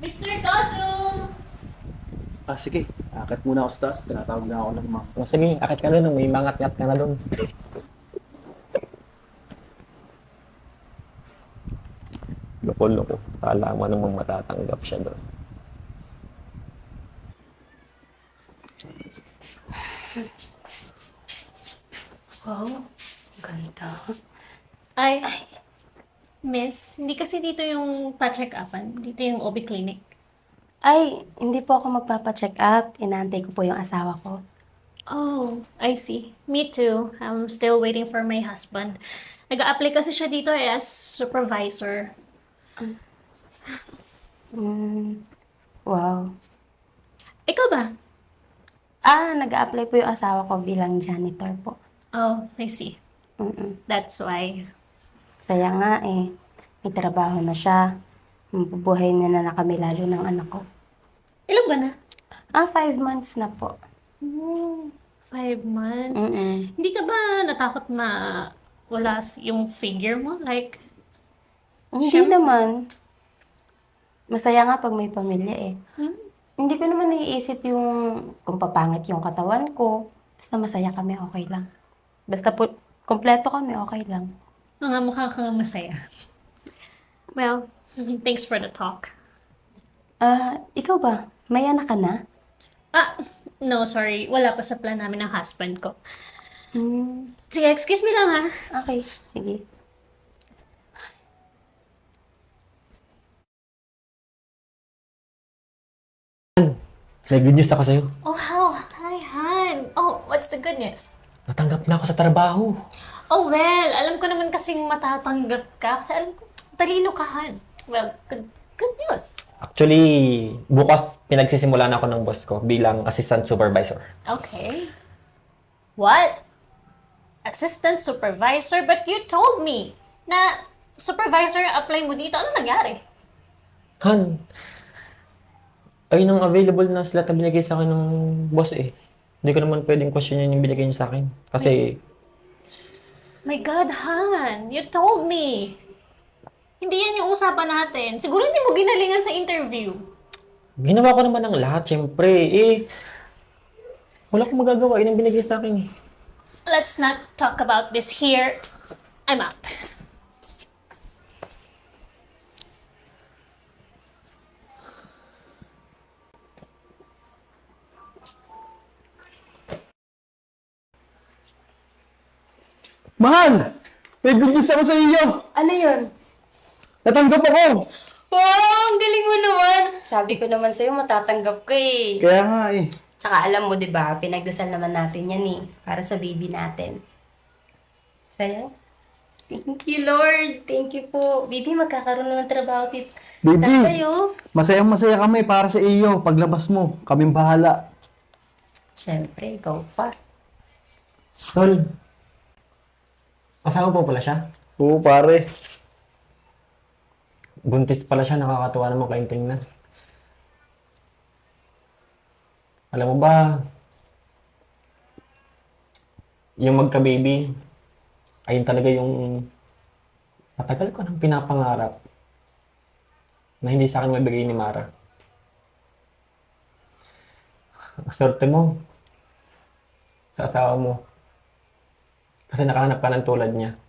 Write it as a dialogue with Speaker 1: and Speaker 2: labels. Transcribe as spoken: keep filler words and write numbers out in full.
Speaker 1: mister Gozum!
Speaker 2: Ah, sige. Akit muna ako sa taas. Tinatawag na ako ng mga.
Speaker 3: O sige, akit ka doon. May mangat-ngat ka na doon. Loko-loko. Kala mo namang matatanggap siya doon.
Speaker 4: Wow, ganda.
Speaker 1: Ay, miss, hindi kasi dito yung pa-check-upan. Dito yung O B clinic.
Speaker 4: Ay, hindi po ako magpapa-check up. Inaantay ko po yung asawa ko.
Speaker 1: Oh, I see. Me too. I'm still waiting for my husband. Nag-a-apply kasi siya dito eh, as supervisor.
Speaker 4: Mm, wow.
Speaker 1: Ikaw ba?
Speaker 4: Ah, nag-a-apply po yung asawa ko bilang janitor po.
Speaker 1: Oh, I see.
Speaker 4: Mm-mm.
Speaker 1: That's why.
Speaker 4: Saya nga eh. May trabaho na siya. Mabubuhay na na, na kami lalo ng anak ko.
Speaker 1: Ilan ba na?
Speaker 4: Ah, five months na po.
Speaker 1: Oh, five months.
Speaker 4: Mm-mm.
Speaker 1: Hindi ka ba natakot na wala s- yung figure mo? Like,
Speaker 4: Hindi
Speaker 1: Siyempre.
Speaker 4: naman. Masaya nga pag may pamilya eh.
Speaker 1: hmm?
Speaker 4: Hindi ko naman naiisip yung kung papangit yung katawan ko. Basta masaya kami, okay lang. Basta po, kompleto kami, okay lang.
Speaker 1: Mga mukha kang masaya. Well, thanks for the talk.
Speaker 4: Ah, ikaw ba? May anak ka na?
Speaker 1: Ah, no, sorry. Wala pa sa plan namin ng husband ko.
Speaker 4: Hmm,
Speaker 1: Sige, excuse me lang ha.
Speaker 4: okay, sige.
Speaker 3: May good news ako sa'yo.
Speaker 1: Oh, how? Hi, Han. Oh, what's the good news?
Speaker 3: Natanggap na ako sa trabaho.
Speaker 1: Oh, well, alam ko naman kasing matatanggap ka kasi alam ko, talino ka, Han. Well, good, good news.
Speaker 3: Actually, bukas pinagsisimulan ako ng boss ko bilang assistant supervisor.
Speaker 1: Okay. What? Assistant supervisor? But you told me na supervisor ang apply mo dito. Ano nangyari?
Speaker 3: Han, ayun ang available na slot na binigay sa akin ng boss eh. Hindi ko naman pwedeng questionin yung binigay niya sa akin. Kasi,
Speaker 1: My God, Han, you told me. Hindi yan yung usapan natin. Siguro hindi mo ginalingan sa interview.
Speaker 3: ginawa ko naman ang lahat, syempre. Eh, wala akong magagawa. Yun ang binigay sa akin eh.
Speaker 1: Let's not talk about this here. I'm out.
Speaker 2: Mahal! May good news ako sa iyo!
Speaker 4: Ano yun?
Speaker 2: Natanggap ako!
Speaker 4: Wow, ang galing mo naman! Sabi ko naman sa'yo, matatanggap ka eh.
Speaker 2: Kaya nga eh.
Speaker 4: Tsaka alam mo, di ba, pinagdasal naman natin yan eh. Para sa baby natin. Saya? Thank you, Lord. Thank you po. Baby, magkakaroon na ng trabaho si
Speaker 2: Baby.
Speaker 4: Tayo.
Speaker 2: Masayang masaya kami para sa iyo. Paglabas mo, kaming bahala.
Speaker 4: Siyempre, ikaw pa.
Speaker 3: Tol, asawa po pala siya.
Speaker 2: Oo, pare.
Speaker 3: Buntis pala siya, nakakatuwa naman kayong tingnan. Alam mo ba, yung magka-baby, ayun talaga yung matagal ko nang pinapangarap na hindi sa akin mabigay ni Mara. Ang swerte mo sa asawa mo kasi nakahanap ka ng tulad niya.